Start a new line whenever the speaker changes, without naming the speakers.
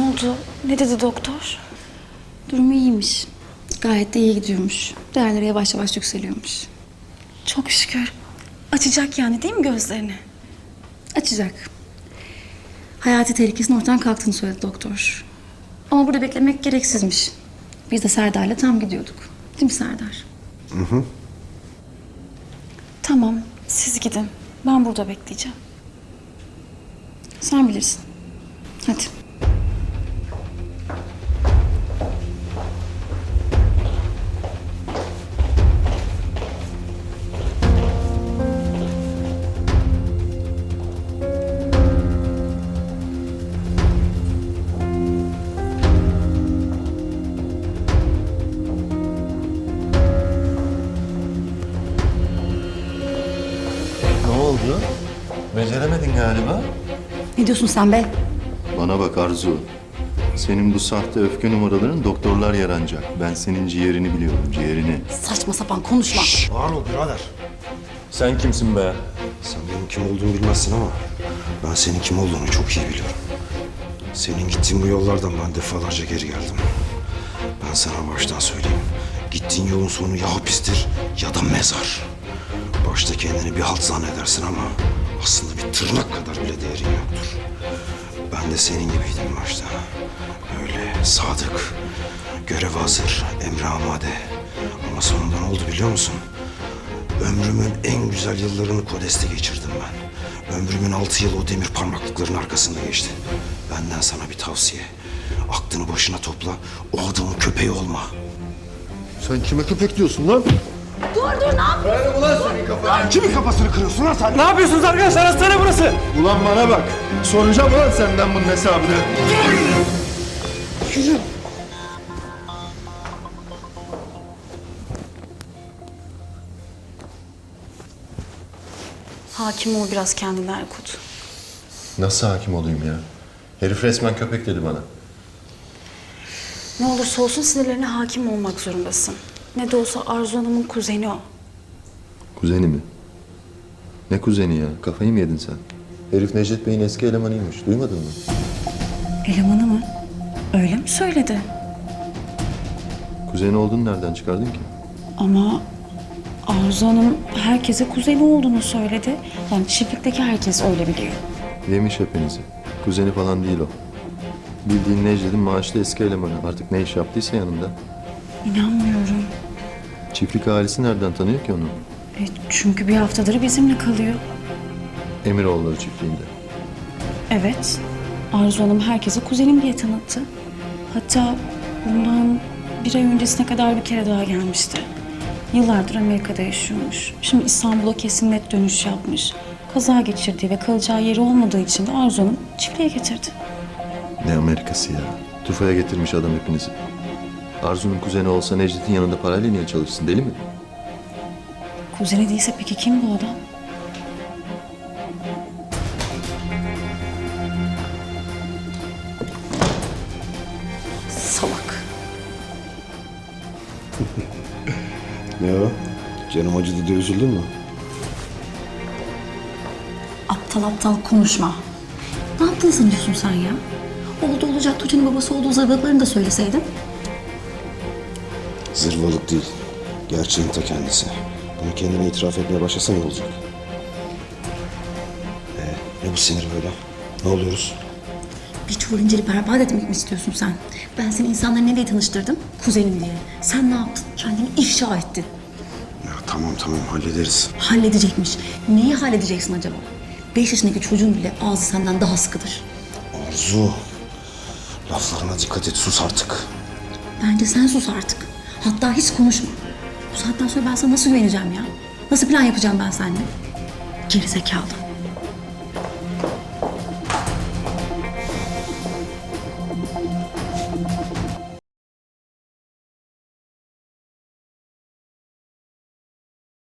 oldu? Ne dedi doktor?
Durumu iyiymiş. Gayet de iyi gidiyormuş. Değerleri yavaş yavaş yükseliyormuş.
Çok şükür. Açacak yani değil mi gözlerini?
Açacak. Hayati tehlikesinin ortadan kalktığını söyledi doktor. Ama burada beklemek gereksizmiş. Biz de Serdar'la tam gidiyorduk. Değil mi Serdar?
Tamam, siz gidin. Ben burada bekleyeceğim.
Sen bilirsin. Hadi.
Ne oldu? Beceremedin galiba.
Ne diyorsun sen be?
Bana bak Arzu. Senin bu sahte öfke numaraların doktorlar yaranacak. Ben senin ciğerini biliyorum, ciğerini.
Saçma sapan konuşma.
Ağır ol birader.
Sen kimsin be?
Sen benim kim olduğumu bilmezsin ama ben senin kim olduğunu çok iyi biliyorum. Senin gittiğin bu yollardan ben defalarca geri geldim. Ben sana baştan söyleyeyim. Gittiğin yolun sonu ya hapistir ya da mezar. Başta kendini bir halt zannedersin ama aslında bir tırnak kadar bile değerin yoktur. Ben de senin gibiydim başta. Öyle sadık, görev hazır, emre amade. Ama sonunda ne oldu biliyor musun? Ömrümün en güzel yıllarını Kodes'te geçirdim ben. Ömrümün 6 yılı o demir parmaklıkların arkasında geçti. Benden sana bir tavsiye. Aklını başına topla, o adamın köpeği olma.
Sen kime köpek diyorsun lan?
Kimin kafasını kırıyorsun lan sen?
Ne yapıyorsunuz arkadaşlar? Hastane burası.
Ulan bana bak. Soracağım ulan senden bunun hesabını.
Hakim ol biraz kendine Erkut.
Nasıl hakim olayım ya? Herif resmen köpek dedi bana.
Ne olursa olsun sinirlerine hakim olmak zorundasın. Ne de olsa Arzu Hanım'ın kuzeni o.
Kuzeni mi? Ne kuzeni ya? Kafayı mı yedin sen? Herif Necdet Bey'in eski elemanıymış. Duymadın mı?
Elemanı mı? Öyle mi söyledi?
Kuzeni olduğunu nereden çıkardın ki?
Ama Arzu Hanım herkese kuzeni olduğunu söyledi. Yani çiftlikteki herkes öyle biliyor.
Yemiş hepinizi. Kuzeni falan değil o. Bildiğin Necdet'in maaşlı eski elemanı. Artık ne iş yaptıysa yanında.
İnanmıyorum.
Çiftlik ailesi nereden tanıyor ki onu?
Çünkü bir haftadır bizimle kalıyor.
Emiroğulları çiftliğinde.
Evet. Arzu Hanım herkese kuzenim diye tanıttı. Hatta bundan bir ay öncesine kadar bir kere daha gelmişti. Yıllardır Amerika'da yaşıyormuş. Şimdi İstanbul'a kesin net dönüş yapmış. Kaza geçirdiği ve kalacağı yeri olmadığı için de Arzu Hanım çiftliğe getirdi.
Ne Amerikası ya? Tufaya getirmiş adam hepinizi. Arzu'nun kuzeni olsa Necdet'in yanında parayla niye çalışsın? Deli mi?
Kuzeni değilse peki kim bu adam? Salak.
Ne o? Canım acıdı diye üzüldün mü?
Aptal aptal konuşma. Ne yaptın sanıyorsun sen ya? Oldu olacak Tuğçe'nin babası olduğu zırvalıklarını da söyleseydin.
Zırvalık değil. Gerçeğin ta kendisi. Bunu kendine itiraf etmeye başlasan ne olacak? Ne bu sinir böyle? Ne oluyoruz?
Bir çuval inceli berbat etmek mi istiyorsun sen? Ben seni insanlara ne diye tanıştırdım? Kuzenim diye. Sen ne yaptın? Kendini ifşa ettin.
Ya tamam hallederiz.
Halledecekmiş. Neyi halledeceksin acaba? 5 yaşındaki çocuğun bile ağzı senden daha sıkıdır.
Arzu. Laflarına dikkat et, sus artık.
Bence sen sus artık. Hatta hiç konuşma. Bu saatten sonra ben sana nasıl güveneceğim ya? Nasıl plan yapacağım ben seninle? Gerizekalı.